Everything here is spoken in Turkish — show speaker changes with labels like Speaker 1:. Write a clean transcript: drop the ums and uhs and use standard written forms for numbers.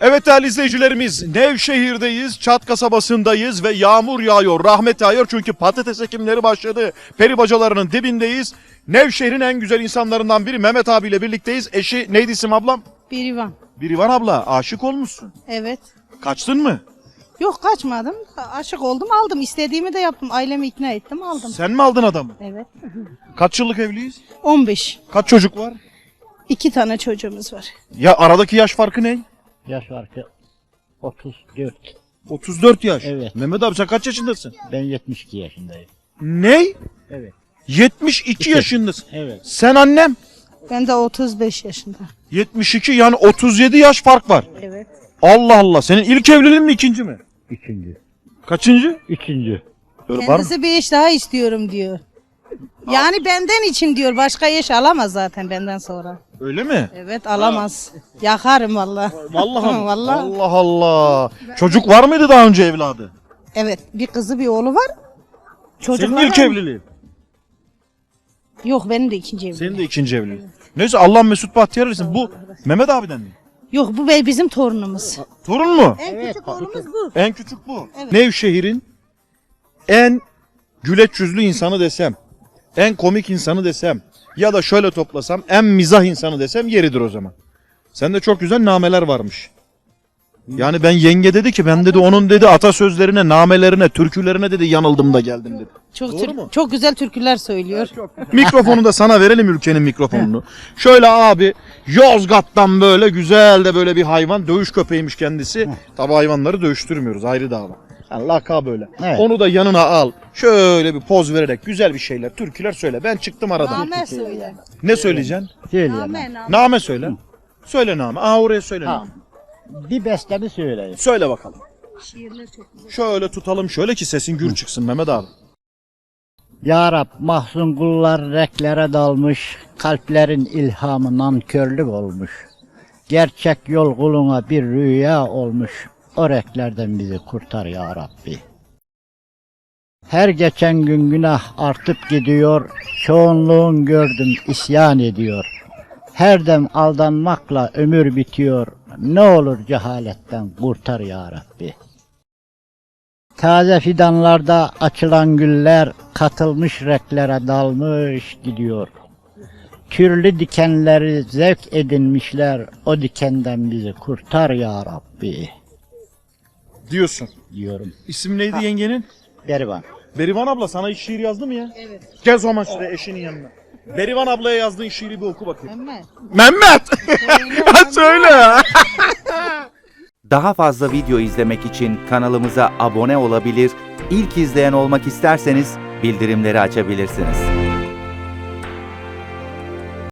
Speaker 1: Evet değerli izleyicilerimiz, Nevşehir'deyiz, Çat kasabasındayız ve yağmur yağıyor, rahmet yağıyor çünkü patates ekimleri başladı. Peri bacalarının dibindeyiz. Nevşehir'in en güzel insanlarından biri Mehmet abiyle birlikteyiz. Eşi neydi isim ablam?
Speaker 2: Birivan.
Speaker 1: Birivan abla, aşık olmuşsun.
Speaker 2: Evet.
Speaker 1: Kaçtın mı?
Speaker 2: Yok kaçmadım. Aşık oldum aldım. İstediğimi de yaptım. Ailemi ikna ettim aldım.
Speaker 1: Sen mi aldın adamı?
Speaker 2: Evet.
Speaker 1: Kaç yıllık evliyiz?
Speaker 2: 15.
Speaker 1: Kaç çocuk var?
Speaker 2: 2 tane çocuğumuz var.
Speaker 1: Ya aradaki yaş farkı ne?
Speaker 3: Yaş farkı 34.
Speaker 1: 34 yaş.
Speaker 3: Evet.
Speaker 1: Mehmet abi sen kaç yaşındasın?
Speaker 3: Ben 72 yaşındayım.
Speaker 1: Ne?
Speaker 3: Evet.
Speaker 1: 72 yaşındasın.
Speaker 3: Evet.
Speaker 1: Sen annem?
Speaker 2: Ben de 35 yaşında.
Speaker 1: 72 yani 37 yaş fark var.
Speaker 2: Evet.
Speaker 1: Allah Allah. Senin ilk evliliğin mi ikinci mi?
Speaker 3: Üçüncü.
Speaker 1: Kaçıncı?
Speaker 3: Üçüncü.
Speaker 1: Böyle var mı?
Speaker 2: Kendisi bir eş daha istiyorum diyor. Yani benden için diyor. Başka eş alamaz zaten benden sonra.
Speaker 1: Öyle mi?
Speaker 2: Evet alamaz. Yakarım valla.
Speaker 1: Vallahi mi?
Speaker 2: Vallahi.
Speaker 1: Allah Allah. Çocuk var mıydı daha önce evladı?
Speaker 2: Evet bir kızı bir oğlu var.
Speaker 1: Senin
Speaker 2: Çocuklar
Speaker 1: ilk evliliğin.
Speaker 2: Yok benim de ikinci evliliğim.
Speaker 1: Senin de ikinci evliliğin. Neyse Allah Mesut Bahtiyar etsin. Bu Mehmet abiden mi?
Speaker 2: Yok bu bizim torunumuz.
Speaker 1: Torun mu?
Speaker 2: En küçük oğlumuz bu.
Speaker 1: En küçük bu.
Speaker 2: Evet.
Speaker 1: Nevşehir'in en güleç yüzlü insanı desem, en komik insanı desem ya da şöyle toplasam en mizah insanı desem yeridir o zaman. Sende çok güzel nameler varmış. Yani ben yenge dedi ki ben dedi onun dedi atasözlerine, namelerine, türkülerine dedi yanıldım da geldim dedi. Doğru mu?
Speaker 2: Çok güzel türküler söylüyor.
Speaker 1: Mikrofonu da sana verelim ülkenin mikrofonunu. Şöyle abi Yozgat'tan böyle güzel de böyle bir hayvan dövüş köpeğiymiş kendisi. Tabi hayvanları dövüştürmüyoruz ayrı dava. Yani laka böyle.
Speaker 3: Evet.
Speaker 1: Onu da yanına al. Şöyle bir poz vererek güzel bir şeyler, türküler söyle. Ben çıktım aradan.
Speaker 2: Name söyle.
Speaker 1: Ne söyleyeceksin?
Speaker 3: Söyleyeyim.
Speaker 2: Name.
Speaker 1: Name söyle. Söyle name. Aa oraya söyle
Speaker 3: Ha.
Speaker 1: name.
Speaker 3: Bir bestemi söyleyeyim.
Speaker 1: Söyle bakalım.
Speaker 2: Şiirler çok güzel.
Speaker 1: Şöyle tutalım şöyle ki sesin gür çıksın Mehmet abi.
Speaker 3: Ya Rab mahzun kullar reklere dalmış, kalplerin ilhamı nankörlük olmuş. Gerçek yol kuluna bir rüya olmuş, o reklerden bizi kurtar ya Rabbi. Her geçen gün günah artıp gidiyor, çoğunluğun gördüm isyan ediyor. Her dem aldanmakla ömür bitiyor, ne olur cehaletten kurtar ya Rabbi. Taze fidanlarda açılan güller katılmış reklere dalmış gidiyor. Türlü dikenleri zevk edinmişler, o dikenden bizi kurtar ya Rabbi
Speaker 1: Diyorsun.
Speaker 3: diyorum.
Speaker 1: İsim neydi yengenin?
Speaker 3: Berivan.
Speaker 1: Berivan abla sana hiç şiir yazdı mı ya?
Speaker 2: Evet.
Speaker 1: Gel o zaman şuraya eşinin yanına. Berivan ablaya yazdığın şiiri bir oku bakayım.
Speaker 2: Mehmet.
Speaker 1: Mehmet! Söyle.
Speaker 4: Daha fazla video izlemek için kanalımıza abone olabilir, ilk izleyen olmak isterseniz bildirimleri açabilirsiniz.